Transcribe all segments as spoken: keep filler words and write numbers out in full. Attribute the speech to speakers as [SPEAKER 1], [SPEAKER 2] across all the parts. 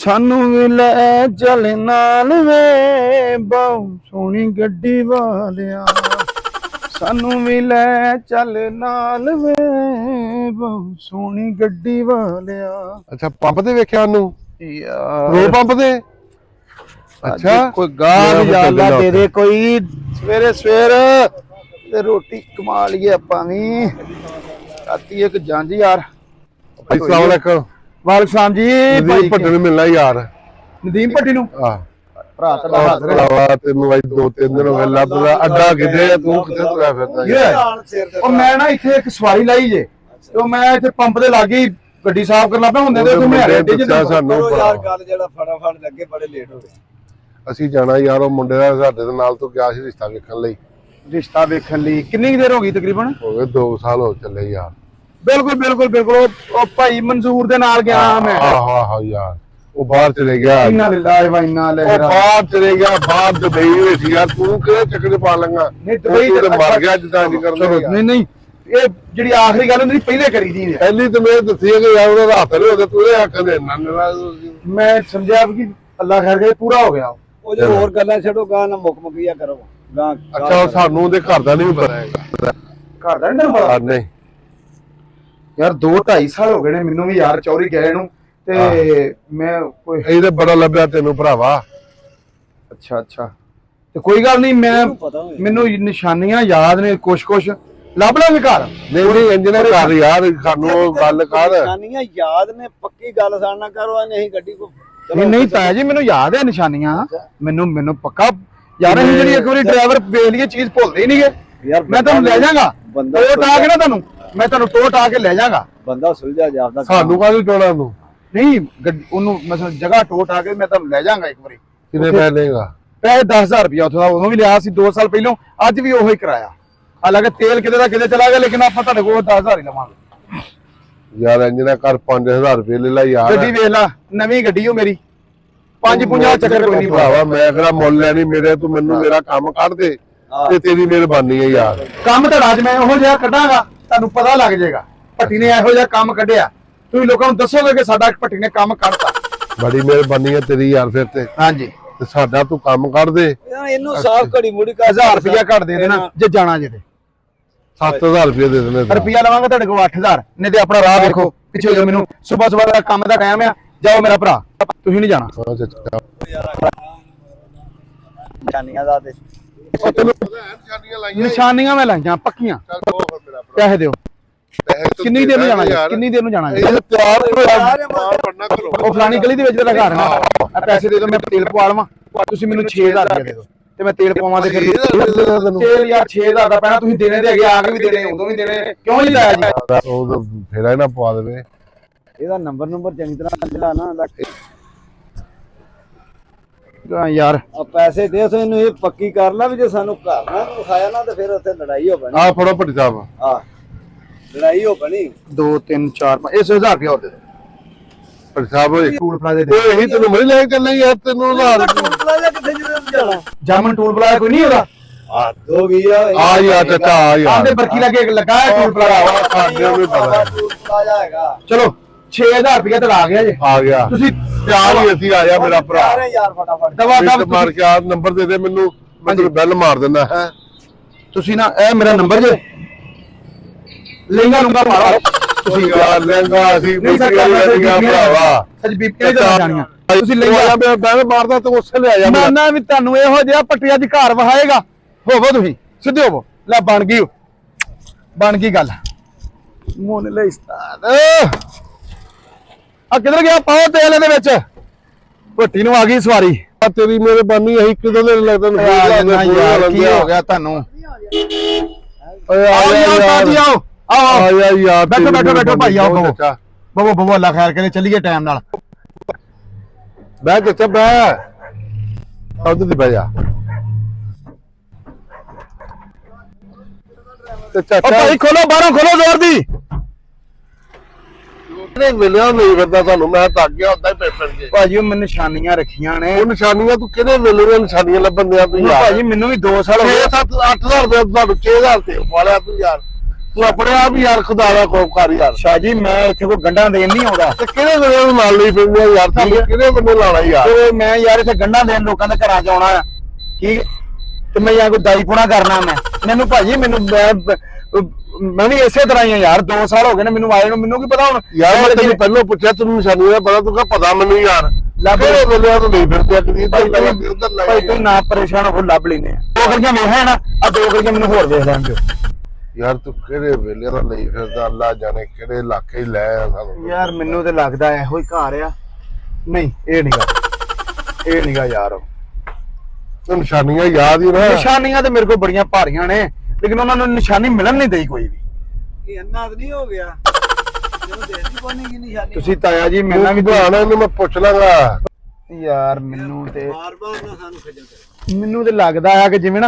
[SPEAKER 1] सानू भी ले चल नाल वे बहु सोहनी गड्डी वालिया सानू भी ले चल नाल वे बहु सोहनी गड्डी वालिया।
[SPEAKER 2] अच्छा पंप ते वेख्या ओनू
[SPEAKER 1] यार
[SPEAKER 2] पेट्रोल पंप ते अच्छा
[SPEAKER 1] कोई गाल याला दे दे कोई सवेरे सवेर ते रोटी कमा लिए आपां भी राती एक जंज यार।
[SPEAKER 2] अस्सलाम वालेकुम
[SPEAKER 1] वालेकुम सलाम जी
[SPEAKER 2] नदीम भट्टी ਨੂੰ ਮਿਲਣਾ ਯਾਰ
[SPEAKER 1] नदीम भट्टी ਨੂੰ
[SPEAKER 2] ਆ
[SPEAKER 1] ਭਰਾ ਤੁਹਾਡਾ ਹਾਜ਼ਰ ਹੈ।
[SPEAKER 2] ਭਰਾਵਾ ਤੈਨੂੰ ਬਾਈ ਦੋ ਤਿੰਨ ਦਿਨ ਹੋ ਗਏ ਲੱਭਦਾ ਅੱਡਾ ਕਿੱਥੇ ਆ ਤੂੰ ਕਿੱਥੇ ਤੁਰਿਆ ਫਿਰਦਾ ਯਾਰ
[SPEAKER 1] ਉਹ ਮੈਂ ਨਾ ਇੱਥੇ ਇੱਕ ਸਵਾਰੀ ਲਾਈ ਜੇ ਤੇ ਮੈਂ ਇੱਥੇ ਪੰਪ ਦੇ ਲਾਗੇ ਗੱਡੀ ਸਾਫ਼ ਕਰਨ ਲੱਗਾ ਹੁੰਦੇ ਤੇ ਮੈਂ ਅੱਡੇ
[SPEAKER 2] ਦੱਸਿਆ ਸਾਨੂੰ
[SPEAKER 3] ਯਾਰ ਗੱਲ ਜਿਹੜਾ ਫਟਾਫਟ ਲੱਗੇ ਬੜੇ ਲੇਟ ਹੋ ਗਏ।
[SPEAKER 2] ਅਸੀਂ ਜਾਣਾ ਯਾਰ ਉਹ ਮੁੰਡੇ ਦਾ ਸਾਡੇ ਦੇ ਨਾਲ ਤੋਂ ਗਿਆ ਸੀ ਰਿਸ਼ਤਾ ਵੇਖਣ ਲਈ।
[SPEAKER 1] ਰਿਸ਼ਤਾ ਵੇਖਣ ਲਈ ਕਿੰਨੀ ਦੇਰ ਹੋ ਗਈ ਤਕਰੀਬਨ?
[SPEAKER 2] ਹੋ ਗਏ ਦੋ ਸਾਲ ਹੋ ਚੱਲੇ ਯਾਰ।
[SPEAKER 1] ਬਿਲਕੁਲ ਬਿਲਕੁਲ ਬਿਲਕੁਲ ਉਹ ਭਾਈ ਮਨਜ਼ੂਰ ਦੇ ਨਾਲ ਗਿਆ ਮੈਂ।
[SPEAKER 2] ਆਹੋ ਆਹੋ ਯਾਰ ਉਹ ਬਾਹਰ ਚਲੇ ਗਿਆ।
[SPEAKER 1] ਇੰਨਾ ਲਿਲਾਹ ਵਾ ਇੰਨਾ ਲੈ
[SPEAKER 2] ਉਹ ਬਾਹਰ ਚਲੇ ਗਿਆ ਬਾਹਰ ਦੁਬਈ ਵਿੱਚ ਯਾਰ ਤੂੰ ਕਿਹੜੇ ਚੱਕਰ ਪਾ ਲੰਗਾ
[SPEAKER 1] ਨਹੀਂ ਦੁਬਈ
[SPEAKER 2] ਤੇ ਮਰ ਗਿਆ ਜਿੱਦਾਂ ਨਹੀਂ ਕਰਦਾ।
[SPEAKER 1] ਨਹੀਂ ਨਹੀਂ ਇਹ ਜਿਹੜੀ ਆਖਰੀ ਗੱਲ ਹੁੰਦੀ ਪਹਿਲੇ ਕਰੀ ਦੀ
[SPEAKER 2] ਪਹਿਲੀ ਤੇ ਮੈਂ ਦੱਸੀ ਕਿ ਯਾਰ ਉਹਦਾ ਹੱਥ ਨਹੀਂ ਉਹਦੇ ਤੂੰ ਇਹ ਆਖਦੇ ਨਾ
[SPEAKER 1] ਮੈਂ ਸਮਝਿਆ ਕਿ ਅੱਲਾ ਖੈਰ ਕਰੇ ਪੂਰਾ ਹੋ ਗਿਆ।
[SPEAKER 3] ਉਹ ਜੋ ਹੋਰ ਗੱਲਾਂ ਛੱਡੋ ਗਾਂ ਨਾ ਮੁੱਕ ਮੁੱਕੀਆ ਕਰੋ ਗਾਂ।
[SPEAKER 2] ਅੱਛਾ ਸਾਨੂੰ ਉਹਦੇ ਘਰ ਦਾ ਨਹੀਂ ਪਤਾ ਹੈਗਾ।
[SPEAKER 1] ਘਰ ਦਾ ਨਹੀਂ ਪਤਾ?
[SPEAKER 2] ਨਹੀਂ
[SPEAKER 1] ਯਾਰ ਦੋ ਢਾਈ ਸਾਲ ਹੋ ਗਏ ਨੇ ਮੈਨੂੰ ਵੀ ਯਾਰ ਚੌਰੀ ਗਏ ਨੂੰ ਤੇ ਮੈਂ ਕੋਈ
[SPEAKER 2] ਇਹ ਤੇ ਬੜਾ ਲੱਭਿਆ ਤੈਨੂੰ ਭਰਾਵਾ।
[SPEAKER 1] ਅੱਛਾ ਅੱਛਾ ਤੇ ਕੋਈ ਗੱਲ ਨਹੀਂ ਮੈਂ ਮੈਨੂੰ ਨਿਸ਼ਾਨੀਆਂ ਯਾਦ ਨੇ ਕੁਛ ਕੁਛ ਲੱਭ ਲਾਂਗੇ ਘਰ।
[SPEAKER 2] ਨਹੀਂ ਨਹੀਂ ਇੰਜਨ ਕਰ ਯਾਰ ਸਾਨੂੰ ਉਹ ਗੱਲ ਕਰ
[SPEAKER 3] ਨਿਸ਼ਾਨੀਆਂ ਯਾਦ ਨੇ ਪੱਕੀ ਗੱਲ ਸਾਡਾ ਕਰੋ ਆ ਨਹੀਂ ਗੱਡੀ ਕੋ
[SPEAKER 1] ਨਹੀਂ ਨਹੀਂ ਤਾਇਆ ਜੀ ਮੈਨੂੰ ਯਾਦ ਹੈ ਨਿਸ਼ਾਨੀਆਂ ਮੈਨੂੰ ਮੈਨੂੰ ਪੱਕਾ ਯਾਰ ਅਸੀਂ ਜਿਹੜੀ ਇੱਕ ਵਾਰੀ ਡਰਾਈਵਰ ਵੇਖ ਲਈਏ ਚੀਜ਼ ਭੁੱਲਦੇ ਹੀ ਨਹੀਂਗੇ ਯਾਰ। ਮੈਂ ਤੁਹਾਨੂੰ ਲੈ ਜਾਵਾਂਗਾ ਟੋਟ ਆ ਕੇ ਨਾ ਤੁਹਾਨੂੰ ਮੈਂ ਤੁਹਾਨੂੰ ਟੋਟ ਆ ਕੇ ਲੈ ਜਾਵਾਂਗਾ।
[SPEAKER 3] ਬੰਦਾ ਸੁਲਝਾ ਜਾਂਦਾ
[SPEAKER 2] ਸਾਨੂੰ ਕਾਹਨੂੰ ਟੋਣਾ ਤੂੰ
[SPEAKER 1] ਨਹੀਂ ਉਹਨੂੰ ਮਤਲਬ ਜਗ੍ਹਾ ਟੋਟ ਆ ਕੇ ਮੈਂ ਤੁਹਾਨੂੰ ਲੈ ਜਾਵਾਂਗਾ ਇੱਕ ਵਾਰੀ।
[SPEAKER 2] ਕਿੰਨੇ ਪੈਸੇ ਲਏਗਾ?
[SPEAKER 1] ਪੈਸੇ ਦਸ ਹਜ਼ਾਰ ਰੁਪਇਆ ਉੱਥੋਂ ਦਾ ਉਦੋਂ ਵੀ ਲਿਆ ਸੀ ਦੋ ਸਾਲ ਪਹਿਲਾਂ ਅੱਜ ਵੀ ਉਹੀ ਕਰਾਇਆ। ਹਾਲਾਂਕਿ ਤੇਲ ਕਿਤੇ ਦਾ ਕਿਤੇ ਚਲਾ ਗਿਆ ਲੇਕਿਨ ਆਪਾਂ ਤੁਹਾਡੇ ਕੋਲ ਦਸ ਹਜ਼ਾਰ ਹੀ ਲਵਾਂਗੇ
[SPEAKER 2] ਯਾਰ ਇੰਜਨ ਕਰ ਪੰਜ ਹਜ਼ਾਰ ਰੁਪਏ ਲੈ ਲੈ ਯਾਰ।
[SPEAKER 1] ਗੱਡੀ ਵੇਖ ਲਾ ਨਵੀਂ ਗੱਡੀ ਓ ਮੇਰੀ ਪੰਜ ਪੰਜਾਹ ਚੱਕਰ ਕੋਈ ਨਹੀਂ
[SPEAKER 2] ਭਰਾਵਾ ਮੈਂ ਕਿਹੜਾ ਮੁੱਲ ਲੈਣੀ ਮੇਰੇ ਤੂੰ ਮੈਨੂੰ ਮੇਰਾ ਕੰਮ ਕੱਢ ਦੇ ਤੇ ਤੇਰੀ ਮਿਹਰਬਾਨੀ ਹੈ ਯਾਰ।
[SPEAKER 1] ਕੰਮ ਤਾਂ ਅੱਜ ਮੈਂ ਉਹੋ ਜਿਹਾ ਕੱਢਾਂਗਾ ਤੁਹਾਨੂੰ ਪਤਾ ਲੱਗ ਜਾਏਗਾ ਭੱਟੀ ਨੇ ਇਹੋ ਜਿਹਾ ਕੰਮ ਕੱਢਿਆ ਤੁਸੀਂ ਲੋਕਾਂ ਨੂੰ ਦੱਸੋਗੇ ਕਿ ਸਾਡਾ ਭੱਟੀ ਨੇ ਕੰਮ ਕੱਢਤਾ।
[SPEAKER 2] ਬੜੀ ਮਿਹਰਬਾਨੀ ਹੈ ਤੇਰੀ ਯਾਰ। ਫਿਰ ਤੇ
[SPEAKER 1] ਹਾਂਜੀ
[SPEAKER 2] ਤੇ ਸਾਡਾ ਤੂੰ ਕੰਮ ਕੱਢ ਦੇ
[SPEAKER 3] ਇਹਨੂੰ ਸਾਫ ਘੜੀ ਮੁੜੀ ਕਰ
[SPEAKER 1] ਹਜ਼ਾਰ ਰੁਪਇਆ ਘੱਟ ਦੇ ਦੇਣਾ ਜੇ ਜਾਣਾ ਜੇ ਤੇ
[SPEAKER 2] ਸੱਤ ਹਜ਼ਾਰ ਰੁਪਏ ਦੇ ਦੇਣੇ
[SPEAKER 1] ਰੁਪਇਆ ਲਵਾਂਗਾ ਤੁਹਾਡੇ ਕੋਲ ਅੱਠ ਹਜ਼ਾਰ ਨਹੀਂ ਤੇ ਆਪਣਾ ਰਾਹ ਦੇਖੋ ਪਿੱਛੇ ਜੋ ਮੈਨੂੰ ਸਵੇਰ ਸਵੇਰ ਦਾ ਕੰਮ ਦਾ ਟਾਈਮ ਆ ਜਾਓ ਮੇਰਾ ਭਰਾ ਤੁਸੀਂ ਨਹੀਂ ਜਾਣਾ।
[SPEAKER 3] ਨਿਸ਼ਾਨੀਆਂ ਦਾ ਤੇ
[SPEAKER 1] ਨਿਸ਼ਾਨੀਆਂ ਮੈਂ ਲਾਈਆਂ ਪੱਕੀਆਂ। ਪੈਸੇ ਦਿਓ ਕਿੰਨੀ ਦੇਰ ਨੂੰ ਜਾਣਾ ਜੀ ਕਿੰਨੀ ਦੇਰ ਨੂੰ ਜਾਣਾ ਜੀ? ਉਹ ਫਲਾਣੀ ਗਲੀ ਦੇ ਵਿੱਚ ਤੇਰਾ ਘਰ ਨਾ ਆ ਪੈਸੇ ਦੇ ਦਿਓ ਮੈਂ ਤੇਲ ਪਵਾ ਲਵਾਂ ਤੁਸੀਂ ਮੈਨੂੰ ਛੇ ਹਜ਼ਾਰ ਰੁਪਏ ਦੇ ਦਿਓ ਤੇ ਮੈਂ ਤੇਲ ਪਵਾਵਾਂ ਤੇ ਫਿਰ ਤੇਲ ਯਾਰ ਛੇ ਹਜ਼ਾਰ ਦਾ ਪੈਣਾ ਤੁਸੀਂ ਦੇਣੇ ਤੇ ਹੈਗੇ ਆ ਕੇ ਵੀ ਦੇਣੇ ਉਦੋਂ ਵੀ ਦੇਣੇ ਕਿਉਂ ਨਹੀਂ ਲਾਇਆ ਜੀ?
[SPEAKER 2] ਉਹ ਫੇਰਾ ਹੀ ਨਾ ਪਵਾ ਦੇਵੇ।
[SPEAKER 3] ਇਹਦਾ ਨੰਬਰ ਨੰਬਰ ਚੰਗੀ ਤਰ੍ਹਾਂ ਜਿਹੜਾ ਨਾ
[SPEAKER 1] ਯਾਰ
[SPEAKER 3] ਆ ਪੈਸੇ ਦੇ ਸੋ ਇਹਨੂੰ ਇਹ ਪੱਕੀ ਕਰ ਲੈ ਵੀ ਜੇ ਸਾਨੂੰ ਘਰ ਨਾ ਵਿਖਾਇਆ ਨਾ ਤੇ ਫਿਰ ਉੱਥੇ ਲੜਾਈ ਹੋ ਬਣੀ।
[SPEAKER 2] ਆ ਫੜੋ ਭੱਟੀ ਸਾਹਿਬ
[SPEAKER 3] ਆ ਲੜਾਈ ਹੋ ਬਣੀ।
[SPEAKER 1] ਦੋ ਤਿੰਨ ਚਾਰ ਪੰਜ ਇਸ ਹਜ਼ਾਰ ਰੁਪਏ ਹੋਰ ਦੇ ਦਿਓ।
[SPEAKER 2] ਭੱਟੀ ਸਾਹਿਬ ਓਏ
[SPEAKER 1] ਟੂਲ ਪਲਾਜ਼ੇ ਦੇ
[SPEAKER 2] ਇਹੀ ਤੈਨੂੰ ਮਰੀ ਲੈ ਕੇ ਚੱਲੇ ਯਾਰ ਤੈਨੂੰ ਉਧਾਰ
[SPEAKER 3] ਪਲਾਜ਼ਾ ਕਿੱਥੇ ਜਾਣਾ?
[SPEAKER 1] ਜਾਮਨ ਟੂਲ ਪਲਾਜ਼ਾ ਕੋਈ ਨਹੀਂ ਉਹਦਾ
[SPEAKER 3] ਆ ਦੋ ਵੀ ਆ
[SPEAKER 2] ਆ ਯਾਰ ਚਾਚਾ ਆ ਯਾਰ
[SPEAKER 1] ਆਂਦੇ ਬਰਕੀ ਲੱਗੇ ਲੱਗਾ ਹੈ ਟੂਲ ਪਲਾਜ਼ਾ
[SPEAKER 2] ਸਾਡੇ ਵੀ ਪਤਾ
[SPEAKER 3] ਪਲਾਜ਼ਾ ਹੈਗਾ।
[SPEAKER 1] ਚਲੋ ਛੇ ਹਜ਼ਾਰ ਰੁਪਏ ਤਾਂ ਆ ਗਿਆ ਜੇ
[SPEAKER 2] ਆ ਗਿਆ
[SPEAKER 1] ਤੁਸੀਂ
[SPEAKER 2] ਪਿਆਰ ਹੀ ਅਸੀਂ ਆ ਜਾ ਮੇਰਾ ਭਰਾ
[SPEAKER 3] ਅਰੇ ਯਾਰ ਫਟਾਫਟ
[SPEAKER 1] ਦਵਾ ਦਵ
[SPEAKER 2] ਮਾਰ ਕੇ ਆ ਨੰਬਰ ਦੇ ਦੇ ਮੈਨੂੰ ਮੈਂ ਤੈਨੂੰ ਬੈਲ ਮਾਰ ਦਿੰਦਾ ਹੈ।
[SPEAKER 1] ਤੁਸੀਂ ਨਾ ਇਹ ਮੇਰਾ ਨੰਬਰ ਜੇ ਲਹਿੰਗਾ ਲੂੰਗਾ ਮਾਰੋ
[SPEAKER 2] ਤੁਸੀਂ ਯਾਰ ਲਹਿੰਗਾ ਅਸੀਂ
[SPEAKER 1] ਨਹੀਂ ਸਰ
[SPEAKER 2] ਬੀਪੀਆਂ ਭਰਾਵਾ
[SPEAKER 1] ਸੱਚ ਬੀਪੀ ਦੇ ਜਾਣੀਆਂ ਤੁਸੀਂ
[SPEAKER 2] ਲਹਿੰਗਾ ਮੈਂ ਬੈਲ ਮਾਰਦਾ ਤੇ ਉਸੇ ਲੈ ਆ ਜਾ
[SPEAKER 1] ਮੈਂ ਨਾ ਵੀ ਤੁਹਾਨੂੰ ਇਹੋ ਜਿਹਾ ਪੱਟੀਆਂ ਦੀ ਘਰ ਵਹਾਏਗਾ ਹੋਵੋ ਤੁਸੀਂ ਸਿੱਧੇ ਹੋਵੋ ਲੈ ਬਣ ਗਈ ਬਣ ਗਈ ਗੱਲ ਮੋਨ ਲੈ ਉਸਤਾਦ ਆ ਕਿੱਧਰ ਗਿਆ ਪਾਓ ਤੇਲ ਇਹਦੇ ਵਿੱਚ ਭੱਟੀ ਨੂੰ ਆ ਗਈ ਸਵਾਰੀ
[SPEAKER 2] ਤੇਰੀ ਮਿਹਰਬਾਨੀ ਅਸੀਂ ਕਿਦੋਂ ਦੇ ਲੱਗਦਾ ਨੂੰ
[SPEAKER 1] ਯਾਰ ਕੀ ਹੋ ਗਿਆ ਤੁਹਾਨੂੰ
[SPEAKER 2] ਓਏ
[SPEAKER 1] ਆਓ ਯਾਰ ਜੀ ਆਓ ਆਓ
[SPEAKER 2] ਆ ਯਾਰ ਯਾਰ
[SPEAKER 1] ਬੈਠੋ ਬੈਠੋ ਬੈਠੋ ਭਾਈ ਆਓ ਬਵੋ ਬਵੋ ਬਵੋ ਅੱਲਾ ਖੈਰ ਕਰੇ ਚੱਲੀਏ ਟਾਈਮ ਨਾਲ
[SPEAKER 2] ਬੈ ਚਾਚਾ ਬੈ ਉਧਰ ਦੀ ਬੈ ਜਾ ਤੇ
[SPEAKER 1] ਓ
[SPEAKER 2] ਚਾਚਾ
[SPEAKER 1] ਭਾਈ ਖੋਲੋ ਬਾਹਰੋਂ ਖੋਲੋ ਜ਼ੋਰ ਦੀ
[SPEAKER 2] ਨਹੀਂ ਮਿਲਿਆ ਨਹੀਂ ਕਰਦਾ ਤੁਹਾਨੂੰ ਮੈਂ ਤਾਂ ਅੱਗੇ ਹੁੰਦਾ ਹੀ ਪੇਪਰ ਕੇ
[SPEAKER 1] ਭਾਜੀ ਉਹ ਮੈਂ ਨਿਸ਼ਾਨੀਆਂ ਰੱਖੀਆਂ ਨੇ
[SPEAKER 2] ਉਹ ਨਿਸ਼ਾਨੀਆਂ ਤੂੰ ਕਿਹਦੇ ਮਿਲੂਗਾ ਨਿਸ਼ਾਨੀਆਂ ਲੱਭਣ ਦਿਆ ਤੂੰ ਯਾਰ
[SPEAKER 1] ਭਾਜੀ ਮੈਨੂੰ ਵੀ ਦੋ ਸਾਲ ਹੋ
[SPEAKER 2] ਛੇ
[SPEAKER 1] ਗਏ
[SPEAKER 2] ਸੱਤ ਅੱਠ ਹਜ਼ਾਰ ਰੁਪਏ ਤੁਹਾਨੂੰ ਛੇ ਹਜ਼ਾਰ ਤੇ ਵਾਲਿਆ ਤੂੰ ਯਾਰ ਤੂੰ ਆਪਣੇ ਆਪ ਹੀ ਯਾਰ ਖੁਦਾ ਦਾ ਖੌਫ ਕਰ ਯਾਰ।
[SPEAKER 1] ਸ਼ਾਹ ਜੀ ਮੈਂ ਇੱਥੇ ਕੋਈ ਗੰਢਾਂ ਦੇਣ ਨਹੀਂ ਆਉਂਦਾ
[SPEAKER 2] ਤੇ ਕਿਹੜੇ ਵੇਲੇ ਨੂੰ ਨਾਲ ਲਈ ਫਿਰਦਾ ਯਾਰ ਤੂੰ ਕਿਹੜੇ ਬੰਦੇ ਲਾਣਾ ਯਾਰ।
[SPEAKER 1] ਤੇ ਮੈਂ ਯਾਰ ਇੱਥੇ ਗੰਢਾਂ ਦੇਣ ਲੋਕਾਂ ਦੇ ਘਰਾਂ 'ਚ ਆਉਣਾ ਆ ਠੀਕ ਤੇ ਮੈਂ ਯਾਰ ਕੋਈ ਦਾਈ ਪੁਣਾ ਕਰਨਾ ਮੈਂ ਮੈਨੂੰ ਭਾਜੀ ਮੈਨੂੰ ਮੈਂ ਮੈਂ ਵੀ ਇਸੇ ਤਰ੍ਹਾਂ ਹੀ ਆ ਯਾਰ ਦੋ ਸਾਲ ਹੋ ਗਏ ਨੇ ਮੈਨੂੰ ਆਏ ਨੂੰ ਮੈਨੂੰ ਕੀ ਪਤਾ ਹੁਣ
[SPEAKER 2] ਯਾਰ ਮੈਂ ਤੈਨੂੰ ਪਹਿਲਾਂ ਪੁੱਛਿਆ ਤੈਨੂੰ ਨਿਸ਼ਾਨੀ ਦਾ ਪਤਾ ਤੂੰ ਕਹ ਪਤਾ ਮੈਨੂੰ ਯਾਰ ਕਿਹੜੇ ਵੇਲੇ ਤੋਂ ਨਹੀਂ ਫਿਰਦੇ ਕਦੀ ਉਧਰ
[SPEAKER 1] ਭਾਈ ਤੂੰ ਨਾ ਪਰੇਸ਼ਾਨ ਹੋ ਲੱਭ ਲੈਨੇ ਦੋ ਗਲੀਆਂ ਵੇਖਿਆ ਨਾ ਆ ਦੋ ਗਲੀਆਂ ਮੈਨੂੰ ਹੋਰ ਵੇਖ ਲੈਣ ਦਿਓ।
[SPEAKER 2] ਯਾਰ ਤੂੰ ਕਿਹੜੇ ਵੇਲੇ ਦਾ ਨਹੀਂ ਫਿਰਦਾ ਅੱਲਾ ਜਾਣੇ ਕਿਹੜੇ ਇਲਾਕੇ ਹੀ ਲੈ ਆ ਸਾਨੂੰ।
[SPEAKER 1] ਯਾਰ ਮੈਨੂੰ ਤੇ ਲੱਗਦਾ ਇਹੋ ਹੀ ਘਰ ਆ ਨਹੀਂ ਇਹ ਨਹੀਂਗਾ ਇਹ ਨਹੀਂਗਾ ਯਾਰ
[SPEAKER 2] ਤੂੰ ਨਿਸ਼ਾਨੀਆਂ ਯਾਦ ਹੀ ਨਾ।
[SPEAKER 1] ਨਿਸ਼ਾਨੀਆਂ ਤੇ ਮੇਰੇ ਕੋਲ ਬੜੀਆਂ ਭਾਰੀਆਂ ਨੇ ਲੇਕਿਨ ਉਹਨਾਂ ਨੂੰ ਨਿਸ਼ਾਨੀ ਮਿਲਣ ਨਹੀਂ ਦਈ ਕੋਈ ਵੀ।
[SPEAKER 3] ਇਹ ਅੰਨਾ ਤਾਂ ਨਹੀਂ ਹੋ ਗਿਆ ਜਦੋਂ ਦੇਦੀ ਕੋਣੀ ਕੀ ਨਿਸ਼ਾਨੀ
[SPEAKER 1] ਤੁਸੀਂ ਤਾਇਆ ਜੀ
[SPEAKER 2] ਮੈਂ
[SPEAKER 1] ਮੈਨੂੰ
[SPEAKER 2] ਵੀ ਬਹਾਨਾ ਇਹਨੂੰ ਮੈਂ ਪੁੱਛ ਲਾਂਗਾ
[SPEAKER 1] ਯਾਰ ਮੈਨੂੰ ਤੇ
[SPEAKER 3] ਬਾਰ ਬਾਰ ਨਾ ਸਾਨੂੰ ਖੱਜਲ ਕਰ।
[SPEAKER 1] ਮੈਨੂੰ ਤੇ ਲੱਗਦਾ ਆ ਕਿ ਜਿਵੇਂ ਨਾ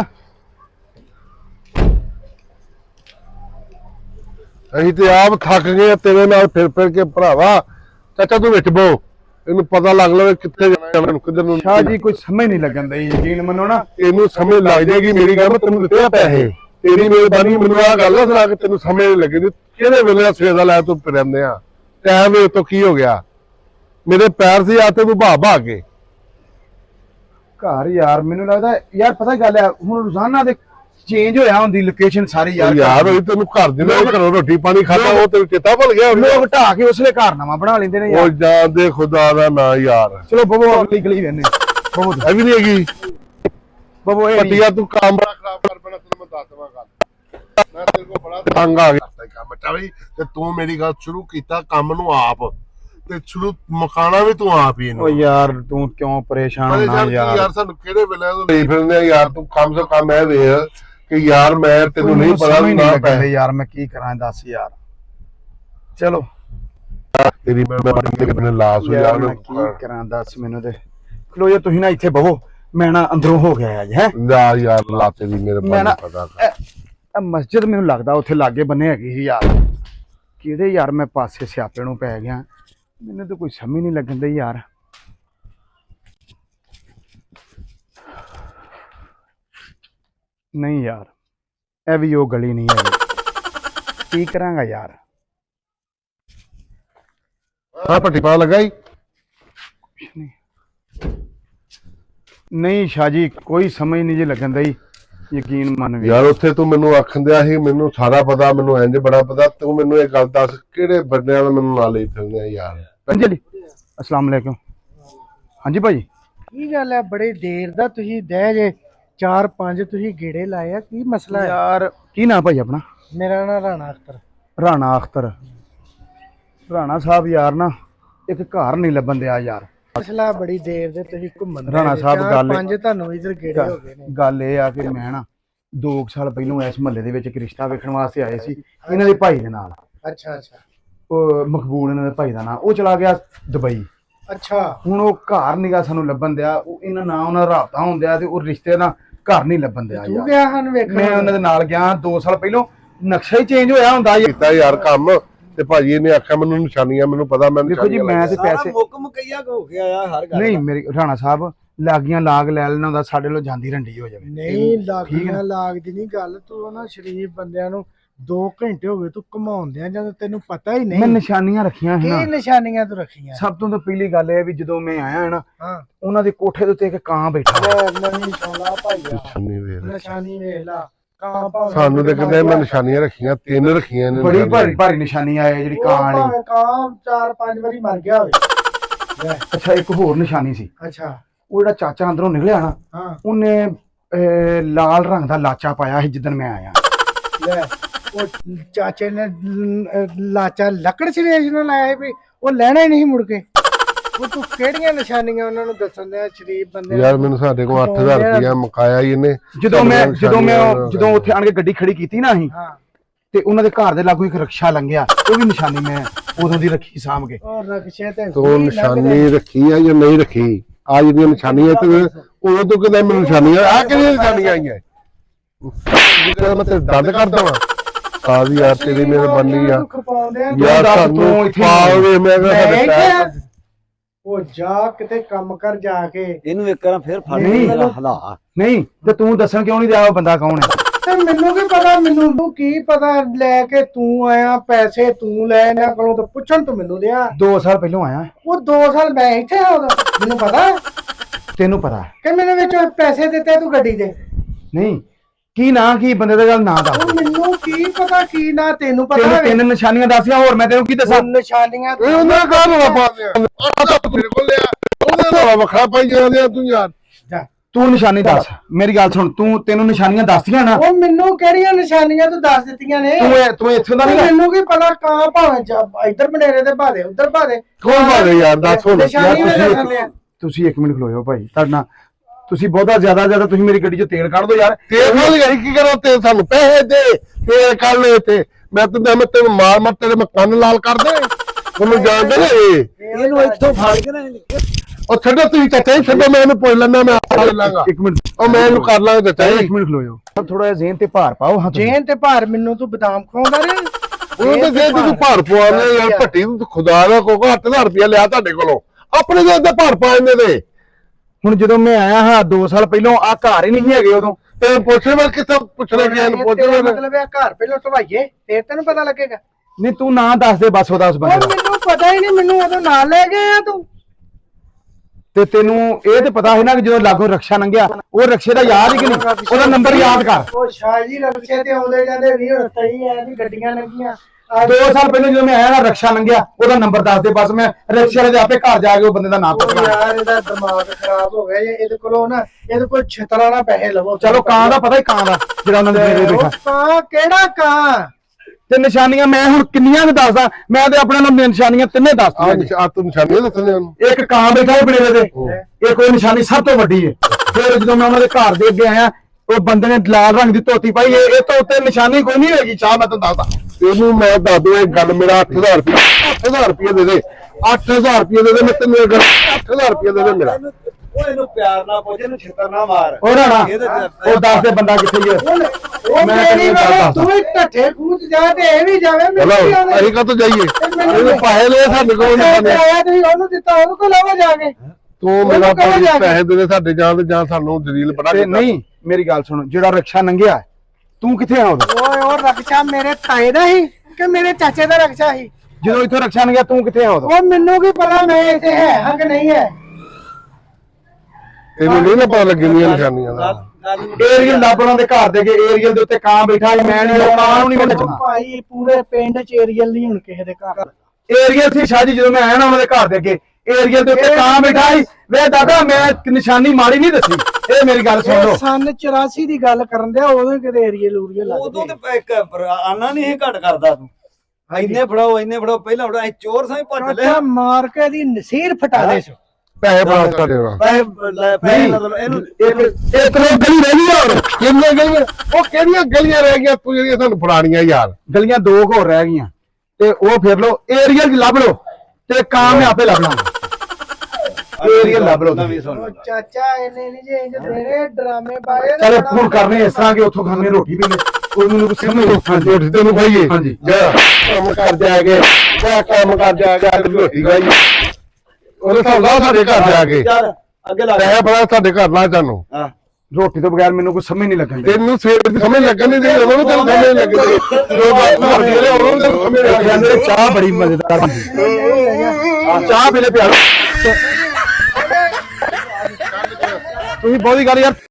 [SPEAKER 2] ਅਸੀਂ ਤੇ ਆਪ ਥੱਕ ਗਏ ਤੇਰੇ ਨਾਲ ਫਿਰ ਫਿਰ ਕੇ ਭਰਾਵਾ। ਚਾਚਾ ਤੂੰ ਵਿੱਚ ਬੋ ਇਹਨੂੰ ਪਤਾ ਲੱਗ ਲਵੇ ਕਿੱਥੇ ਜਾਣਾ ਨੂੰ ਕਿੱਧਰ ਨੂੰ।
[SPEAKER 1] ਸ਼ਾਹ ਜੀ ਕੋਈ ਸਮਝ ਨਹੀਂ ਲੱਗਣ ਦਈ ਯਕੀਨ ਮੰਨੋ ਨਾ
[SPEAKER 2] ਇਹਨੂੰ ਸਮਝ ਲੱਗ ਜਾਏਗੀ ਮੇਰੀ ਗੱਲ ਮੈਂ ਤੈਨੂੰ ਦਿੱਤੇ ਆ ਪੈਸੇ ਤੇਰੀ ਮਿਹਰਬਾਨੀ ਮੈਨੂੰ ਆਹ ਗੱਲ ਨਾ ਸੁਣਾ ਕੇ ਤੈਨੂੰ ਸਮਝ ਨਹੀਂ ਲੱਗੀ ਕਿਹੜੇ ਵੇਲੇ ਦਾ ਸਵੇਰ ਦਾ ਲੈ ਤੂੰ ਫਿਰਦੇ ਆ ਟਾਈਮ ਵੇ ਤੋਂ ਕੀ ਹੋ ਗਿਆ ਮੇਰੇ ਪੈਰ ਸੀ ਆ ਤੇ ਤੂੰ ਭਾ ਭਾ ਕੇ
[SPEAKER 1] ਘਰ ਯਾਰ ਮੈਨੂੰ ਲੱਗਦਾ ਯਾਰ ਪਤਾ ਗੱਲ ਆ ਹੁਣ ਰੋਜ਼ਾਨਾ ਦੇ ਚੇਂਜ ਹੋਇਆ ਹੁੰਦੀ ਲੋਕੇਸ਼ਨ ਸਾਰੀ ਯਾਰ
[SPEAKER 2] ਯਾਰ ਹੋਈ ਤੈਨੂੰ ਘਰ ਦੇ ਨਾਲ ਘਰੋਂ ਰੋਟੀ ਪਾਣੀ ਖਾਦਾ ਉਹ ਤੈਨੂੰ ਚੇਤਾ ਭੁੱਲ ਗਿਆ
[SPEAKER 1] ਲੋਕ ਢਾ ਕੇ ਉਸਲੇ ਘਰ ਨਵਾਂ ਬਣਾ ਲੈਂਦੇ ਨੇ
[SPEAKER 2] ਉਹ
[SPEAKER 1] ਯਾਰ।
[SPEAKER 2] ਜਾਨ ਦੇ ਖੁਦਾ ਦਾ ਨਾਂ ਯਾਰ।
[SPEAKER 1] ਚਲੋ ਬਬੋ ਅਗਲੀ ਗਲੀ ਵੇਨੇ ਬਬੋ
[SPEAKER 2] ਇਹ ਵੀ ਨਹੀਂ ਹੈਗੀ
[SPEAKER 1] ਬਬੋ ਇਹ
[SPEAKER 2] ਪੱਟੀਆ ਤੂੰ ਕੰਮ ਬੜਾ ਖਰਾਬ ਕਰ ਬਣਾ ਤੈਨੂੰ ਮੈਂ ਦੱਸ ਦਵਾਂ ਗੱਲ ਮੈਂ ਤੇਰੇ ਕੋਲ ਬੜਾ ਤੰਗ ਆ ਗਿਆ ਕੰਮ ਚਾਹੀ ਤੇ ਤੂੰ ਮੇਰੀ ਗੱਲ ਸ਼ੁਰੂ ਕੀਤਾ ਕੰਮ ਨੂੰ ਆਪ ਤੇ ਸ਼ੁਰੂ ਮਕਾਨਾ ਵੀ ਤੂੰ ਆਪ ਹੀ
[SPEAKER 1] ਓ ਯਾਰ ਤੂੰ ਕਿਉਂ ਪਰੇਸ਼ਾਨ ਹੋਣਾ ਯਾਰ
[SPEAKER 2] ਯਾਰ ਸਾਨੂੰ ਕਿਹੜੇ ਵੇਲੇ ਤੋਂ ਲਈ ਫਿਰਦੇ ਆ ਯਾਰ ਤੂੰ ਕੰਮ ਸੇ ਕੰਮ ਇਹ ਵੇਖ ਕਿ ਯਾਰ ਮੈਂ ਤੈਨੂੰ ਨਹੀਂ ਪਤਾ
[SPEAKER 1] ਨਹੀਂ
[SPEAKER 2] ਨਾ ਪੈ
[SPEAKER 1] ਯਾਰ ਮੈਂ ਕੀ ਕਰਾਂ ਦੱਸ ਯਾਰ ਚਲੋ
[SPEAKER 2] ਤੇਰੀ ਮੈਂ ਬੜੀ ਆਪਣੇ ਲਾਸ ਹੋ
[SPEAKER 1] ਯਾਰ
[SPEAKER 2] ਯਾਰ
[SPEAKER 1] ਮੈਂ ਕੀ ਕਰਾਂ ਦੱਸ ਮੈਨੂੰ ਤੇ ਖਲੋ ਯਾਰ ਤੁਸੀਂ ਨਾ ਇੱਥੇ ਬਵੋ ਮੈਂ ਨਾ ਅੰਦਰੋਂ ਹੋ ਗਿਆ ਅੱਜ ਹੈ
[SPEAKER 2] ਨਾ ਯਾਰ ਲਾ ਤੇਰੀ ਮੇਰੇ
[SPEAKER 1] ਮੈਂ ਨਾ
[SPEAKER 2] ਪਤਾ ਕਰ
[SPEAKER 1] ਇਹ ਮਸਜਿਦ ਮੈਨੂੰ ਲੱਗਦਾ ਉੱਥੇ ਲਾਗੇ ਬੰਨੇ ਹੈਗੀ ਸੀ ਯਾਰ ਕਿਹੜੇ ਯਾਰ ਮੈਂ ਪਾਸੇ ਸਿਆਪੇ ਨੂੰ ਪੈ ਗਿਆ ਮੈਨੂੰ ਤਾਂ ਕੋਈ ਸਮਝ ਨਹੀਂ ਲੱਗਣ ਡਈ ਯਾਰ ਨਹੀਂ ਯਾਰ ਇਹ ਵੀ ਉਹ ਗਲੀ ਨਹੀਂ ਹੈਗੀ ਕੀ ਕਰਾਂਗਾ ਯਾਰ
[SPEAKER 2] ਹਾਂ ਪੱਟੀ ਪਾ ਲਗਾਈ
[SPEAKER 1] ਨਹੀਂ ਸ਼ਾਹ ਜੀ ਕੋਈ ਸਮਝ ਨਹੀਂ ਜੇ ਲੱਗਣ ਡਈ ਯਕੀਨ ਮੰਨ ਵੀ
[SPEAKER 2] ਯਾਰ ਉੱਥੇ ਤੂੰ ਮੈਨੂੰ ਆਖਣ ਦਿਆ ਸੀ ਮੈਨੂੰ ਸਾਰਾ ਪਤਾ ਮੈਨੂੰ ਇੰਜ ਬੜਾ ਪਤਾ ਤੂੰ ਮੈਨੂੰ ਇਹ ਗੱਲ ਦੱਸ ਕਿਹੜੇ ਬੰਦਿਆਂ ਦਾ ਮੈਨੂੰ ਨਾਲ ਲਈ ਫਿਰਦੇ ਆ ਯਾਰ।
[SPEAKER 1] ਅੰਜਲੀ अस्सलाम वालेकुम हाँ जी भाई
[SPEAKER 4] ਕੀ ਗੱਲ ਹੈ ਬੜੀ ਦੇਰ ਦਾ ਤੁਸੀਂ ਦੇ ਜੇ ਚਾਰ ਪੰਜ ਤੁਸੀਂ ਗੇੜੇ ਲਾਏ ਆ ਕੀ ਮਸਲਾ ਹੈ
[SPEAKER 1] यार की नाम भाई अपना
[SPEAKER 4] ਮੇਰਾ ਨਾਂ ਰਾਣਾ ਅਖਤਰ
[SPEAKER 1] राणा अख्तर राणा साहब यार ना एक घर नहीं लभन दिया यार
[SPEAKER 4] ਮਸਲਾ ਬੜੀ ਦੇਰ ਦੇ ਤੁਸੀਂ ਘੁੰਮਣ
[SPEAKER 1] ਰਾਣਾ
[SPEAKER 4] ਦੇ
[SPEAKER 1] ਸਾਹਿਬ
[SPEAKER 4] ਚਾਰ
[SPEAKER 1] ਗੱਲ-
[SPEAKER 4] ਪੰਜ ਤੁਹਾਨੂੰ ਇਧਰ ਗੇੜੇ ਹੋ ਗਏ ਨੇ
[SPEAKER 1] ਗੱਲ ਇਹ ਆ ਕਿ ਮੈਂ ਨਾ ਦੋ ਕੁ ਸਾਲ ਪਹਿਲੋਂ ਇਸ ਮਹੱਲੇ ਦੇ ਵਿੱਚ ਇੱਕ ਰਿਸ਼ਤਾ ਵੇਖਣ ਵਾਸਤੇ ਆਏ ਸੀ ਇਹਨਾਂ ਦੇ ਭਾਈ ਦੇ ਨਾਲ
[SPEAKER 4] ਅੱਛਾ ਅੱਛਾ
[SPEAKER 1] ਉਹ ਮਕਬੂਲ ਇਹਨਾਂ ਦੇ ਭਾਈ ਦਾ ਨਾਂ ਉਹ ਚਲਾ ਗਿਆ ਦੁਬਈ
[SPEAKER 4] ਅੱਛਾ
[SPEAKER 1] ਹੁਣ ਉਹ ਘਰ ਨੀਗਾ ਸਾਨੂੰ ਲੱਭਣ ਦਿਆ ਉਹ ਇਹਨਾਂ ਨਾਲ ਉਹਨਾਂ ਦਾ ਰਾਬਤਾ ਹੁੰਦਿਆ ਤੇ ਉਹ ਰਿਸ਼ਤੇ ਦਾ ਘਰ ਨਹੀਂ ਲੱਭਣ ਦਿਆ
[SPEAKER 4] ਤੂੰ
[SPEAKER 1] ਯਾਰ
[SPEAKER 4] ਗਿਆ ਹਨ ਵੇਖਣ
[SPEAKER 1] ਮੈਂ ਉਹਨਾਂ ਦੇ ਨਾਲ ਗਿਆ ਦੋ ਸਾਲ ਪਹਿਲੋਂ ਨਕਸ਼ਾ ਹੀ ਚੇਂਜ ਹੋਇਆ ਹੁੰਦਾ ਯਾਰ।
[SPEAKER 2] ਕੀਤਾ ਯਾਰ ਕੰਮ ਤੇ ਭਾਜੀ ਨੇ ਆਖਿਆ ਮੈਨੂੰ ਨਿਸ਼ਾਨੀਆਂ ਮੈਨੂੰ ਪਤਾ ਮੈਂ
[SPEAKER 1] ਦੇਖੋ ਜੀ ਮੈਂ ਤੇ
[SPEAKER 3] ਸਾਰਾ
[SPEAKER 1] ਪੈਸੇ
[SPEAKER 3] ਮੁੱਕ ਮੁਕਈਆ ਹੋ ਗਿਆ ਆ ਹਰ ਗੱਲ
[SPEAKER 1] ਨਹੀਂ ਮੇਰੇ ਰਾਣਾ ਸਾਹਿਬ ਲਾਗੀਆਂ ਲਾਗ ਲੈ ਲੈਣਾ ਹੁੰਦਾ ਸਾਡੇ ਲੋ ਜਾਂਦੀ ਰੰਡੀ ਹੋ ਜਾਵੇ
[SPEAKER 4] ਨਹੀਂ
[SPEAKER 1] ਠੀਕ ਹੈ
[SPEAKER 4] ਲੱਗੀਆਂ
[SPEAKER 1] ਨਾ?
[SPEAKER 4] ਲੱਗਦੀ ਨਹੀਂ ਗੱਲ ਤੂੰ ਨਾ ਸ਼ਰੀਫ ਬੰਦਿਆਂ ਨੂੰ ਦੋ ਘੰਟੇ ਹੋ ਗਏ ਤੂੰ ਘਮਾਉਂਦਿਆਂ ਜਦੋਂ ਤੈਨੂੰ ਪਤਾ ਹੀ
[SPEAKER 1] ਮੈਂ
[SPEAKER 4] ਨਹੀਂ
[SPEAKER 1] ਨਿਸ਼ਾਨੀਆਂ ਰੱਖੀਆਂ ਹੈ
[SPEAKER 4] ਕੀ
[SPEAKER 1] ਨਾ
[SPEAKER 4] ਨਿਸ਼ਾਨੀਆਂ ਤੂੰ ਰੱਖੀਆਂ
[SPEAKER 1] ਸਭ ਤੋਂ ਤਾਂ ਪਹਿਲੀ ਗੱਲ ਇਹ ਹੈ ਵੀ ਜਦੋਂ ਮੈਂ ਆਇਆ ਹੈ ਨਾ
[SPEAKER 4] ਹਾਂ
[SPEAKER 1] ਉਹਨਾਂ ਦੇ ਕੋਠੇ ਦੇ ਉੱਤੇ ਇੱਕ ਕਾਂ ਬੈਠਾ
[SPEAKER 4] ਲੈ ਨਹੀਂ ਸੋਲਾ ਭਾਈਆ
[SPEAKER 2] ਨਿਸ਼ਾਨੀ ਵੇਖ
[SPEAKER 4] ਨਿਸ਼ਾਨੀ ਵੇਖ ਲਾ ਕਾਂ ਭਾਵੇਂ
[SPEAKER 2] ਸਾਨੂੰ ਤੇ ਕਹਿੰਦੇ ਮੈਂ ਨਿਸ਼ਾਨੀਆਂ ਰੱਖੀਆਂ ਤਿੰਨ ਰੱਖੀਆਂ ਨੇ
[SPEAKER 1] ਬੜੀ ਭਾਰੀ ਭਾਰੀ ਨਿਸ਼ਾਨੀ ਆਏ ਜਿਹੜੀ ਕਾਂ ਵਾਲੀ
[SPEAKER 4] ਭਾਵੇਂ ਕਾਂ ਚਾਰ ਪੰਜ ਵਾਰੀ ਮਰ ਗਿਆ ਹੋਵੇ ਲੈ
[SPEAKER 1] ਅੱਛਾ ਇੱਕ ਹੋਰ ਨਿਸ਼ਾਨੀ ਸੀ
[SPEAKER 4] ਅੱਛਾ
[SPEAKER 1] ਉਹ ਜਿਹੜਾ ਚਾਚਾ ਅੰਦਰੋਂ ਨਿਕਲਿਆ ਨਾ
[SPEAKER 4] ਹਾਂ
[SPEAKER 1] ਉਹਨੇ ਅਹ, ਲਾਲ ਰੰਗ ਦਾ ਲਾਚਾ ਪਾਇਆ ਸੀ ਜਿੱਦਣ ਮੈਂ ਆਇਆ
[SPEAKER 4] ਲੈ ਉਹ ਚਾਚੇ ਨੇ ਲ- ਅਹ ਲਾਚਾ ਲੱਕੜ ਸਿਰੇਜ ਨਾਲ ਲਾਇਆ ਸੀ ਵੀ ਉਹ ਲੈਣਾ ਹੀ ਨਹੀਂ ਮੁੜ ਕੇ ਉਹ ਤੂੰ ਕਿਹੜੀਆਂ ਨਿਸ਼ਾਨੀਆਂ ਉਹਨਾਂ ਨੂੰ ਦੱਸਣ ਦੇ ਸ਼ਰੀਫ ਬੰਦੇ
[SPEAKER 2] ਯਾਰ ਮੈਨੂੰ ਸਾਡੇ ਕੋਲ ਅੱਠ ਹਜ਼ਾਰ ਰੁਪਇਆ ਮੁਕਾਇਆ ਹੀ ਇਹਨੇ
[SPEAKER 1] ਜਦੋਂ ਮੈਂ ਜਦੋਂ ਮੈਂ ਉਹ- ਜਦੋਂ ਉੱਥੇ ਆਣ ਕੇ ਗੱਡੀ ਖੜੀ ਕੀਤੀ ਨਾ ਅਸੀਂ
[SPEAKER 4] ਹਾਂ
[SPEAKER 1] ਤੇ ਉਹਨਾਂ ਦੇ ਘਰ ਦੇ ਲਾਗੂ ਇੱਕ ਰਕਸ਼ਾ ਲੰਘਿਆ ਉਹ ਵੀ ਨਿਸ਼ਾਨੀ ਮੈਂ ਉਦੋਂ ਦੀ ਰੱਖੀ ਸਾਂਭ ਕੇ
[SPEAKER 4] ਉਹ ਰਕਸ਼ੇ ਤੇ
[SPEAKER 2] ਤੂੰ
[SPEAKER 4] ਫ੍ਰੀ
[SPEAKER 2] ਨਿਸ਼ਾਨੀ ਰੱਖੀ ਆ ਜਾਂ ਨਹੀਂ ਰੱਖੀ ਆ ਜਿਹੜੀਆਂ ਨਿਸ਼ਾਨੀਆਂ ਤੇ ਉਦੋਂ ਤੂੰ ਕਹਿੰਦਾ ਮੈਨੂੰ ਨਿਸ਼ਾਨੀਆਂ ਆ ਕਿਹੜੀਆਂ ਨਿਸ਼ਾਨੀਆਂ ਆਈਆਂ ਜਿਹੜਾ ਮੈਂ ਤੇ ਦੰਦ ਕਰਦਾ ਵਾਂ ਆ ਵੀ ਯਾਰ ਤੇਰੀ ਮਿਹਰਬਾਨੀ ਆ
[SPEAKER 4] ਤੂੰ ਖਪਾਉਂਦੇ ਆ
[SPEAKER 2] ਯਾਰ
[SPEAKER 1] ਦੱਸ
[SPEAKER 2] ਸਾਨੂੰ
[SPEAKER 1] ਤੂੰ ਇੱਥੇ
[SPEAKER 2] ਪਾਵੇ ਮੈਂ ਕਿਹਾ
[SPEAKER 4] ਮੈਂ
[SPEAKER 2] ਸਾਡੇ
[SPEAKER 4] ਕਿਹਾ,
[SPEAKER 2] ਪੈਰ
[SPEAKER 4] ਉਹ ਜਾ ਕਿਤੇ ਕੰਮ ਕਰ ਜਾ ਕੇ
[SPEAKER 3] ਇਹਨੂੰ ਇੱਕ ਵਾਰ ਫੇਰ ਫੜ
[SPEAKER 1] ਨਹੀਂ।
[SPEAKER 3] ਮੇਰਾ ਹਲਾ
[SPEAKER 1] ਨਹੀਂ ਤੇ ਤੂੰ ਦੱਸਣ ਕਿਉਂ ਨਹੀਂ ਦਿਆ ਉਹ ਬੰਦਾ ਕੌਣ ਹੈ
[SPEAKER 4] ਤੇ ਮੈਨੂੰ ਕੀ ਪਤਾ, ਮੈਨੂੰ ਤੂੰ ਕੀ ਪਤਾ ਲੈ ਕੇ ਤੂੰ ਆਇਆ ਪੈਸੇ ਤੂੰ ਲੈ ਇਹਨਾਂ ਕੋਲੋਂ ਤਾਂ ਪੁੱਛਣ ਤੂੰ ਮੈਨੂੰ ਦਿਆ।
[SPEAKER 1] ਦੋ ਸਾਲ ਪਹਿਲਾਂ ਆਇਆ।
[SPEAKER 4] ਉਹ ਦੋ ਸਾਲ ਮੈਂ ਇੱਥੇ ਆ ਉਦੋਂ ਮੈਨੂੰ ਪਤਾ
[SPEAKER 1] ਤੈਨੂੰ ਪਤਾ
[SPEAKER 4] ਕਿ ਮੈਨੂੰ ਵਿੱਚ ਪੈਸੇ ਦਿੱਤੇ ਤੂੰ ਗੱਡੀ ਦੇ।
[SPEAKER 1] ਨਹੀਂ ਕੀ ਨਾਂ ਕੀ ਬੰਦੇ ਦਾ ਗੱਲ ਨਾਂ ਦੱਸ।
[SPEAKER 4] ਉਹ ਮੈਨੂੰ ਕੀ ਪਤਾ ਕੀ ਨਾ ਤੈਨੂੰ ਪਤਾ
[SPEAKER 1] ਤੈਨੂੰ
[SPEAKER 4] ਹੋਵੇ।
[SPEAKER 1] ਤਿੰਨ ਨਿਸ਼ਾਨੀਆਂ ਦੱਸੀਆਂ, ਹੋਰ ਮੈਂ ਤੈਨੂੰ ਕੀ ਦੱਸਾਂ?
[SPEAKER 4] ਉਹ ਨਿਸ਼ਾਨੀਆਂ
[SPEAKER 2] ਇਹ ਉਹਨਾਂ ਕਾਹ ਨੂੰ ਪਾ ਦਿਆ ਆਹ ਤਾਂ ਤੇਰੇ ਕੋਲ ਲਿਆ ਉਹਦੇ ਨਾਲ ਵੱਖਰਾ ਪਾਈ ਜਾਂਦੇ ਆ ਤੂੰ ਯਾਰ।
[SPEAKER 4] ਜਾ।
[SPEAKER 1] ਤੂੰ ਨਿਸ਼ਾਨੀ ਦੱਸ, ਮੇਰੀ ਗੱਲ ਸੁਣ, ਤੂੰ ਤੈਨੂੰ ਨਿਸ਼ਾਨੀਆਂ ਦੱਸੀਆਂ ਨਾ।
[SPEAKER 4] ਉਹ ਮੈਨੂੰ ਕਿਹੜੀਆਂ ਨਿਸ਼ਾਨੀਆਂ ਤੂੰ ਦੱਸ ਦਿੱਤੀਆਂ ਨੇ?
[SPEAKER 1] ਤੂੰ ਇਹ- ਤੂੰ ਇੱਥੋਂ ਦਾ
[SPEAKER 4] ਉਹ
[SPEAKER 1] ਨਹੀਂ।
[SPEAKER 4] ਮੈਨੂੰ ਕੀ ਪਤਾ ਕਾਂ ਭਾਵੇਂ ਜਾ- ਇੱਧਰ ਬਨੇਰੇ ਦੇ ਭਾਦੇ ਉੱਧਰ ਭਾਦੇ
[SPEAKER 2] ਕੌਣ ਭਾਦੇ ਯਾਰ ਦੱਸ ਹੁਣ।
[SPEAKER 4] ਨਿਸ਼ਾਨੀ
[SPEAKER 1] ਯਾਰ
[SPEAKER 4] ਵੀ
[SPEAKER 1] ਤੁਸੀਂ-
[SPEAKER 4] ਦੱਸਣ ਲਿਆ।
[SPEAKER 1] ਤੁਸੀਂ ਇੱਕ ਮਿੰਟ ਖਲੋਇਓ ਭਾਈ, ਤੁਹਾਡਾ ਤੁਸੀਂ ਬਹੁਤਾ ਜ਼ਿਆਦਾ ਜ਼ਿਆਦਾ ਤੁਸੀਂ ਮੇਰੀ ਗੱਡੀ 'ਚ ਤੇਲ ਕੱਢ ਦਿਓ ਯਾਰ।
[SPEAKER 2] ਤੇਰੇ ਨਾਲ ਗਈ ਕੀ ਕਰੋ ਤੇ ਸਾਨੂੰ ਪੈਸੇ ਦੇ ਤੇਲ ਕੱਢ ਲੈ ਤੇ ਮੈਂ ਤੈਨੂੰ ਮੈਂ ਤੈਨੂੰ ਮਾਰ ਮਾਰ ਤੇਰੇ ਮੈਂ ਕੰਨ ਲਾਲ ਕਰ ਦੇ ਤੁਹਾਨੂੰ ਜਾਣਦੇ ਨੇ ਇਹ
[SPEAKER 3] ਇਹਨੂੰ ਇੱਥੋਂ ਫੜ ਕੇ ਨਾ
[SPEAKER 2] ਉਹ ਛੱਡੋ ਤੁਸੀਂ ਚਾਚਾ ਜੀ ਛੱਡੋ ਮੈਂ ਇਹਨੂੰ ਪੁੱਛ ਲੈਣਾ ਮੈਂ ਆ ਲਾਂਗਾ
[SPEAKER 1] ਇੱਕ ਮਿੰਟ
[SPEAKER 2] ਉਹ ਮੈਂ ਇਹਨੂੰ ਕਰ ਲਾਂਗਾ ਚਾਚਾ ਜੀ
[SPEAKER 1] ਇੱਕ ਮਿੰਟ ਖਲੋਇਓ, ਥੋੜਾ ਜਿਹਾ ਜ਼ੇਨ ਤੇ ਭਾਰ ਪਾਓ। ਹਾਂ ਤੁਸੀਂ।
[SPEAKER 4] ਜੇਨ ਤੇ ਭਾਰ ਮੈਨੂੰ ਤੂੰ ਬਦਾਮ ਖਵਾਉਂਦਾ ਰਿਹਾ।
[SPEAKER 2] ਉਹ ਤਾਂ ਜੇ ਤੂੰ ਭਾਰ ਪਵਾਉਣਾ ਯਾਰ ਭੱਟੀ ਨੂੰ ਖੁਦਾ ਦਾ ਕੋਕੋ ਅੱਠ ਹਜ਼ਾਰ ਰੁਪਇਆ ਲਿਆ ਤੁਹਾਡੇ ਕੋਲੋਂ ਆਪਣੇ ਦੇ ਉੱਤੇ ਭਾਰ ਪਾ ਦਿੰਦੇ ਤੇ
[SPEAKER 1] ਹੁਣ ਜਦੋਂ ਮੈਂ ਆਇਆ ਹਾਂ ਦੋ ਸਾਲ ਪਹਿਲਾਂ ਆ ਘਰ ਹੀ ਨਹੀਂ ਹੈਗੇ ਉਦੋਂ।
[SPEAKER 2] ਤੇ ਪੁੱਛੇ ਮੈਂ ਕਿੱਥੇ ਪੁੱਛਣਾ ਕਿ ਇਹਨੂੰ ਪੁੱਛ
[SPEAKER 4] ਤੇਰਾ
[SPEAKER 2] ਲੈ
[SPEAKER 4] ਮਤਲਬ ਹੈ ਘਰ ਪਹਿਲਾਂ ਢਵਾਈਏ ਫੇਰ ਤੈਨੂੰ ਪਤਾ ਲੱਗੇਗਾ।
[SPEAKER 1] ਨਹੀਂ ਤੂੰ ਨਾਂ ਦੱਸ ਦੇ ਬਸ ਉਹਦਾ ਉਸ
[SPEAKER 4] ਉਹ
[SPEAKER 1] ਬੰਦੇ ਦਾ।
[SPEAKER 4] ਮੈਨੂੰ ਪਤਾ ਹੀ ਨਹੀਂ, ਮੈਨੂੰ ਉਦੋਂ ਨਾਲ ਲੈ ਗਏ ਆ ਤੂੰ।
[SPEAKER 1] ਤੇ ਤੈਨੂੰ ਇਹ ਤੇ ਪਤਾ ਹੈ ਨਾ ਕਿ ਜਦੋਂ ਲਾਗੋਂ ਰਕਸ਼ਾ ਲੰਘਿਆ ਉਹ ਰਕਸ਼ੇ ਦਾ ਯਾਦ ਹੀ ਕਿ ਨਹੀਂ, ਉਹਦਾ ਨੰਬਰ ਯਾਦ ਕਰ।
[SPEAKER 4] ਉਹ ਸ਼ਾਹ ਜੀ ਰਕਸ਼ੇ ਤੇ ਆਉਂਦੇ ਜਾਂਦੇ ਨਹੀਂ ਹੁਣ ਸਹੀ ਐ ਵੀ ਗੱਡੀਆਂ ਲੱਗੀਆਂ।
[SPEAKER 1] ਦੋ ਸਾਲ ਪਹਿਲਾਂ ਜਦੋਂ ਮੈਂ ਆਇਆ ਨਾ ਰਕਸ਼ਾ ਲੰਘਿਆ ਉਹਦਾ ਨੰਬਰ ਦੱਸ ਦੇ ਬਸ, ਮੈਂ ਰਕਸ਼ੇ ਵਾਲੇ ਦੇ ਆਪੇ ਘਰ ਜਾ ਕੇ ਉਹ ਬੰਦੇ ਦਾ ਨਾਮ
[SPEAKER 4] ਉਹ
[SPEAKER 1] ਪੁੱਛਣਾ।
[SPEAKER 4] ਯਾਰ ਇਹਦਾ ਦਿਮਾਗ ਖਰਾਬ ਹੋ ਗਿਆ ਜੇ ਇਹਦੇ ਕੋਲੋਂ ਨਾ ਇਹਦੇ ਕੋਲ ਛਤਰਾ ਨਾ ਪੈਸੇ ਲਵੋ।
[SPEAKER 1] ਚਲੋ ਕਾਂ ਦਾ ਪਤਾ ਹੀ ਕਾਂ ਦਾ ਜਿਹੜਾ ਉਹਨਾਂ ਦੇ ਮੇਰੇ
[SPEAKER 4] ਉਹ
[SPEAKER 1] ਬੈਠਾ
[SPEAKER 4] ਕਾਂ ਕਿਹੜਾ ਕਾਂ?
[SPEAKER 1] ਤੇ ਨਿਸ਼ਾਨੀਆਂ ਮੈਂ ਹੁਣ ਕਿੰਨੀਆਂ ਕੁ ਦੱਸਦਾ, ਮੈਂ ਤੇ ਆਪਣੇ ਨਾਲ ਨਿਸ਼ਾਨੀਆਂ ਤਿੰਨੇ ਦੱਸਦੀਆਂ ਜੀ।
[SPEAKER 2] ਆ ਤੂੰ ਨਿਸ਼ਾਨੀਆਂ ਦੱਸਣੇ ਉਹਨੂੰ
[SPEAKER 1] ਇੱਕ ਕਾਂ ਬੈਠਾ ਹੈ ਬਨੇਰੇ ਤੇ, ਇੱਕ ਉਹ ਨਿਸ਼ਾਨੀ ਸਭ ਤੋਂ ਵੱਡੀ ਹੈ। ਫਿਰ ਜਦੋਂ ਮੈਂ ਉਹਨਾਂ ਦੇ ਘਰ ਦੇ ਅੱਗੇ ਆਇਆ ਉਹ ਬੰਦੇ ਨੇ ਲਾਲ ਰੰਗ ਦੀ ਧੋਤੀ ਪਾਈ, ਇਹ ਇਹ ਤੋਂ ਉੱਤੇ ਨਿਸ਼ਾਨੀ ਕੋਈ ਨਹੀਂ ਹੋਏਗੀ। ਚਾਹ ਮੈਂ ਤੁਹਾਨੂੰ ਦੱਸਦਾ।
[SPEAKER 2] ਇਹਨੂੰ ਮੈਂ ਦੱਸ ਦੂੰ ਇਹ ਗੱਲ ਮੇਰਾ ਅੱਠ ਹਜ਼ਾਰ ਰੁਪਏ ਅੱਠ ਹਜ਼ਾਰ ਰੁਪਏ ਦੇ ਦੇ ਅੱਠ ਹਜ਼ਾਰ ਰੁਪਏ ਦੇ ਦੇ ਮੈਂ ਤੈਨੂੰ ਇਹ ਗੱਲ ਅੱਠ ਹਜ਼ਾਰ ਰੁਪਏ ਦੇ ਦੇ ਮੇਰਾ
[SPEAKER 3] ਉਹ ਇਹਨੂੰ ਪਿਆਰ ਨਾਲ ਪੁੱਛ, ਇਹਨੂੰ ਛਿੱਤਰ ਨਾ ਮਾਰ।
[SPEAKER 1] ਉਹ ਨਾ
[SPEAKER 3] ਇਹਦੇ ਚ-
[SPEAKER 1] ਉਹ ਦੱਸ ਦੇ ਬੰਦਾ ਕਿੱਥੇ ਹੈ।
[SPEAKER 4] ਉਹ
[SPEAKER 1] ਮੈਂ
[SPEAKER 4] ਮੇਰੀ
[SPEAKER 1] ਤੈਨੂੰ
[SPEAKER 4] ਵਾਲਾ
[SPEAKER 1] ਦੱਸਦਾ।
[SPEAKER 4] ਤੂੰ ਹੀ ਢੱਠੇ ਖੂਚ ਜਾ ਤੇ ਇਹ ਵੀ ਜਾਵੇ। ਮੈਨੂੰ
[SPEAKER 2] ਚਲੋ
[SPEAKER 4] ਕੀ ਆਉਂਦਾ?
[SPEAKER 2] ਅਸੀਂ ਕਾਹਤੋਂ ਜਾਈਏ
[SPEAKER 4] ਮੈਨੂੰ
[SPEAKER 2] ਇਹਨੂੰ ਪੈਸੇ ਲੈ ਸਾਡੇ ਕੋਲ ਨਹੀਂ
[SPEAKER 4] ਪੈਸੇ
[SPEAKER 2] ਬਣੇ
[SPEAKER 4] ਆਇਆ ਤੁਸੀਂ ਉਹਨੂੰ ਦਿੱਤਾ ਉਹਨੂੰ ਕੋਲ ਲਾਵਾ ਜਾ ਕੇ।
[SPEAKER 2] ਤੂੰ ਮੇਰਾ ਪੈਸੇ ਦੇ ਦੇ ਸਾਡੇ ਜਾਂ ਤੇ ਜਾਂ ਸਾਨੂੰ ਜਲੀਲ ਬਣਾ
[SPEAKER 1] ਤੇ ਨਹੀਂ ਮੇਰੀ ਗੱਲ ਸੁਣ, ਜਿਹੜਾ ਰਕਸ਼ਾ ਲੰਘਿਆ ਤੂੰ ਕਿੱਥੇ ਆ ਉਦੋਂ?
[SPEAKER 4] ਓਏ ਉਹ ਰਕਸ਼ਾ ਮੇਰੇ ਤਾਏ ਦਾ ਸੀ ਕਿ ਮੇਰੇ ਚਾਚੇ ਦਾ ਰਕਸ਼ਾ ਸੀ?
[SPEAKER 1] ਜਦੋਂ ਇੱਥੋਂ ਰਕਸ਼ਾ ਲੰਘਿਆ ਤੂੰ ਕਿੱਥੇ ਆ ਉਦੋਂ?
[SPEAKER 4] ਉਹ ਮੈਨੂੰ ਕੀ ਪਤਾ ਮੈਂ ਇੱਥੇ ਹੈ ਹਾਂ ਕਿ ਨਹੀਂ ਹੈ।
[SPEAKER 2] ਇਹਨੂੰ ਨਹੀਂ ਨਾ ਪਤਾ ਲੱਗਣੀਆਂ ਨਿਸ਼ਾਨੀਆਂ ਦਾ
[SPEAKER 1] ਏਰੀਅਲ ਲੱਭ ਉਹਨਾਂ ਦੇ ਘਰ ਦੇ ਕੇ ਏਰੀਅਲ ਦੇ ਉੱਤੇ ਕਾਂ ਬੈਠਾ ਸੀ, ਮੈਂ ਨਹੀਂ ਉਹ ਕਾਂ ਨੂੰ ਨਹੀਂ ਵੇਚਣਾ।
[SPEAKER 4] ਭਾਈ ਪੂਰੇ ਪਿੰਡ ਚ ਏਰੀਅਲ ਨਹੀਂ ਹੁਣ ਕਿਸੇ ਦੇ ਘਰ।
[SPEAKER 1] ਏਰੀਅਲ ਸੀ ਸ਼ਾਹ ਜੀ ਜਦੋਂ ਮੈਂ ਆਇਆ ਨਾ ਉਹਨਾਂ ਦੇ ਘਰ ਦੇ ਅੱਗੇ ਏਰੀਅਲ ਦੇ ਉੱਤੇ ਕਾਂ ਬੈਠਾ ਸੀ। ਵੇ ਦਾਦਾ ਮੈਂ ਨਿਸ਼ਾਨੀ ਮਾੜੀ ਨਹੀਂ ਦੱਸੀ, ਇਹ ਮੇਰੀ ਗੱਲ ਸੁਣ ਲਓ।
[SPEAKER 4] ਇਹ ਸਨ ਚੁਰਾਸੀ ਦੀ ਗੱਲ ਕਰਨ ਦਿਆ, ਉਦੋਂ ਕਿਤੇ ਏਰੀਅਲ ਊਰੀਅਲ
[SPEAKER 3] ਉਦੋਂ
[SPEAKER 4] ਲੱਗਦੇ।
[SPEAKER 3] ਤੇ ਇੱਕ ਆਨਾ ਨਹੀਂ ਸੀ ਘਟ ਕਰਦਾ ਤੂੰ। ਇੰਨੇ ਫੜਾਓ ਇੰਨੇ ਫੜਾਓ ਪਹਿਲਾਂ ਫੜਾ ਅਸੀਂ ਚੋਰ ਸਾਂ ਭੱਜ ਲਿਆ।
[SPEAKER 4] ਅੱਛਾ ਮਾਰ ਕੇ ਦੀ ਨਸੀਰ ਫਟਾ ਦੇ ਸੋ।
[SPEAKER 2] ਪੈਸੇ ਬਣਾ ਸਾਡੇ ਨਾਲ
[SPEAKER 3] ਪੈਸੇ ਲੈ ਪੈਸੇ ਮਤਲਬ ਇਹਨੂੰ
[SPEAKER 1] ਇੱਕ
[SPEAKER 2] ਇੱਕ ਦੋ ਗਲੀ ਰਹਿ ਗਈ ਹੋਰ ਕਿੰਨੀਆਂ ਗਲੀਆਂ ਉਹ ਕਿਹੜੀਆਂ ਗਲੀਆਂ ਰਹਿ ਗਈਆਂ ਤੂੰ ਜਿਹੜੀਆਂ ਸਾਨੂੰ ਫੜਾਣੀਆਂ ਯਾਰ
[SPEAKER 1] ਗਲੀਆਂ ਦੋ ਕੁ ਹੋਰ ਰਹਿ ਗਈਆਂ ਤੇ ਉਹ ਫਿਰ ਲਓ ਏਰੀਅਲ ਲੱਭ ਲਓ ਤੇ ਕਾਂ ਮੈਂ ਆਪੇ ਲੱਭ ਲਾਂਗਾ। ਏਰੀਅਲ ਲੱਭ ਲਓ
[SPEAKER 3] ਨਵੀਂ ਸੁਣ
[SPEAKER 4] ਉਹ ਚਾਚਾ ਇਹਨੇ ਨਹੀਂ ਜੇ ਇੰਜ ਤੇਰੇ ਡਰਾਮੇ ਬਾਰੇ
[SPEAKER 1] ਚਲੋ ਫੋਨ ਕਰਨੇ ਇਸ ਤਰ੍ਹਾਂ ਕਿ ਉੱਥੋਂ ਖਾਣੇ ਰੋਟੀ ਪੀਣੇ ਉਹ ਮੈਨੂੰ ਕੁਛ ਸਮਝ ਨਹੀਂ ਆਉਂਦੀ।
[SPEAKER 2] ਰੋਟੀ ਤੈਨੂੰ ਖਾਈਏ
[SPEAKER 1] ਹਾਂਜੀ।
[SPEAKER 2] ਜਾ ਕੰਮ ਕਰ ਜਾਗੇ ਜਾ ਕੰਮ ਕਰ ਜਾਗੇ ਅੱਜ ਰੋਟੀ ਖਾਈਏ ਉਹਦੇ ਹਿਸਾਬ ਨਾਲ ਸਾਡੇ ਘਰ ਜਾ ਕੇ
[SPEAKER 3] ਚੱਲ ਅੱਗੇ ਲਾ
[SPEAKER 2] ਪੈਸੇ ਬੜਾ ਸਾਡੇ ਘਰ ਲਾ ਸਾਨੂੰ
[SPEAKER 3] ਹਾਂ
[SPEAKER 1] ਰੋਟੀ ਤੋਂ ਬਗੈਰ ਮੈਨੂੰ ਕੁਝ ਸਮਝ ਨਹੀਂ ਲੱਗਣ ਦੀ।
[SPEAKER 2] ਤੈਨੂੰ ਸਵੇਰ ਦੀ ਸਮਝ ਲੱਗਣ ਨਹੀਂ ਦੇ ਉਹਨਾਂ ਨੂੰ ਤੈਨੂੰ ਸਮਝ ਨਹੀਂ ਲੱਗਦੀ ਜੋ ਬਾਤ ਕਰ ਰਹੇ ਉਹਨਾਂ ਨੂੰ ਤੈਨੂੰ ਸਮਝ ਨਹੀਂ
[SPEAKER 1] ਕਹਿੰਦੇ ਚਾਹ ਬੜੀ ਮਜ਼ੇਦਾਰ ਹੁੰਦੀ। ਚਾਹ ਪੀਲੇ ਪਿਆ ਲਓ। ਤੁਸੀਂ ਬਹੁਤੀ ਗੱਲ ਯਾਰ